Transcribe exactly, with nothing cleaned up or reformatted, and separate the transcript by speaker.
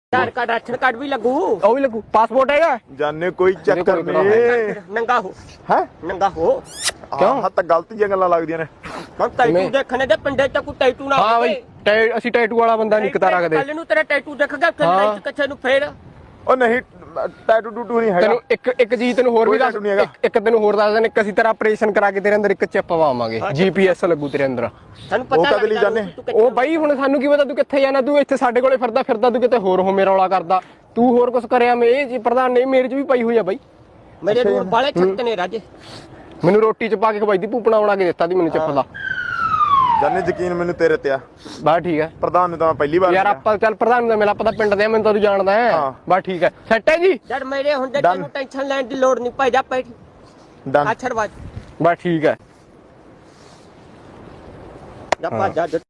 Speaker 1: आधार card ration card भी लगू
Speaker 2: ਉਹ ਵੀ ਲੱਗੂ ਪਾਸਪੋर्ट ਹੈਗਾ
Speaker 3: ਜਾਨੇ ਕੋਈ ਚੱਕਰ ਨਹੀਂ
Speaker 1: नंगा हो
Speaker 3: ਹੈ
Speaker 1: नंगा हो
Speaker 3: ਕਿਉਂ ਹਾਂ ਤਾਂ ਗਲਤੀਆਂ ਗੱਲਾਂ ਲੱਗਦੀਆਂ ਨੇ
Speaker 1: हम टैटू देखने दे पिंडे च कोई टैटू ना
Speaker 2: ਹਾਂ ਬਈ ਟੈ- ਅਸੀਂ ਟੈਟੂ ਵਾਲਾ ਬੰਦਾ ਨਹੀਂ ਕਿਤਾ ਰੱਖਦੇ
Speaker 1: ਕੱਲ ਨੂੰ ਤੇਰਾ ਟੈਟੂ ਦਿਖਗਾ ਕਿੱਥੇ ਕਿੱਥੇ ਨੂੰ ਫੇਰ
Speaker 3: ਉਹ ਨਹੀਂ ਟੈਟੂ ਟੂਟੂ ਨਹੀਂ ਹੈਗਾ
Speaker 2: ਤੈਨੂੰ ਇੱਕ ਇੱਕ ਚੀਜ਼ ਤੈਨੂੰ ਹੋਰ ਵੀ ਦੱਸ
Speaker 3: tattoo ਨਹੀਂ ਹੈਗਾ।
Speaker 2: ਇੱਕ- ਇੱਕ ਤੈਨੂੰ ਹੋਰ ਦੱਸ ਦਿੰਦੇ ਇੱਕ ਅਸੀਂ ਤੇਰਾ ਆਪਰੇਸ਼ਨ ਕਰਾ ਕੇ ਤੇਰੇ ਅੰਦਰ ਇੱਕ ਚਿਪ ਪਵਾਵਾਂਗੇ ਜੀਪੀਐਸ ਲੱਗੂ ਤੇਰੇ ਅੰਦਰ
Speaker 1: ਸਾਨੂੰ
Speaker 3: ਉਹ
Speaker 1: ਪਤਾ
Speaker 3: ਕਦੇ ਲਈ ਜਾਣੇ?
Speaker 2: ਉਹ ਬਾਈ ਹੁਣ ਸਾਨੂੰ ਕੀ ਪਤਾ ਤੂੰ ਕਿੱਥੇ ਜਾਣਾ ਤੂੰ ਇੱਥੇ ਸਾਡੇ ਕੋਲੇ ਫਿਰਦਾ ਫਿਰਦਾ ਤੂੰ ਕਿਤੇ ਹੋਰ ਹੋ ਮੇਰਾ ਰੌਲਾ ਕਰਦਾ ਤੂੰ ਹੋਰ ਕੁਝ ਕਰਿਆ ਮੈਂ ਇਹ ਜੀ ਪ੍ਰਧਾਨ ਨੇ ਮੇਰੇ 'ਚ ਵੀ ਪਈ ਹੋਈ ਆ ਬਾਈ
Speaker 1: ਮੇਰੇ ਨੂਰ ਵਾਲੇ ਛੱਤ ਨੇ ਰਾਜੇ
Speaker 2: ਮੈਨੂੰ ਰੋਟੀ 'ਚ ਪਾ ਕੇ ਖਵਾਈ ਦੀ ਭੂਪਣਾ ਬਣਾ ਕੇ ਦਿੱਤਾ ਦੀ ਮੈਨੂੰ ਚਿਪ ਦਾ
Speaker 3: ਜਾਨੇ ਯਕੀਨ ਮੈਨੂੰ ਤੇਰੇ ਤੇ ਆ
Speaker 2: ਬਸ ਠੀਕ ਹੈ
Speaker 3: ਪ੍ਰਧਾਨ ਨੂੰ ਤਾਂ ਮੈਂ ਪਹਿਲੀ ਵਾਰ
Speaker 2: ਯਾਰ
Speaker 3: ਮਿਲਿਆ।
Speaker 2: ਆਪਾਂ ਚੱਲ ਪ੍ਰਧਾਨ ਨੂੰ ਮਿਲਾ ਪਤਾ ਪਿੰਡ ਦੇ ਆ, ਮੈਨੂੰ ਤਾਂ ਤੂੰ ਜਾਣਦਾ ਹੈ
Speaker 3: ਹਾਂ।
Speaker 2: ਬਸ ਠੀਕ ਹੈ ਸੈੱਟ ਹੈ ਜੀ
Speaker 1: ਜਦ ਮੇਰੇ ਹੁੰਦੇ
Speaker 3: Done.
Speaker 1: ਤੈਨੂੰ ਟੈਨਸ਼ਨ ਲੈਣ ਦੀ ਲੋੜ ਨਹੀਂ ਭਾਈ ਜਾ ਬੈਠ
Speaker 3: ਡਨ
Speaker 1: ਆਛੜਵਾਜ
Speaker 2: ਬਸ ਠੀਕ ਹੈ
Speaker 1: ਜਾ ਭੱਜ ਜਾ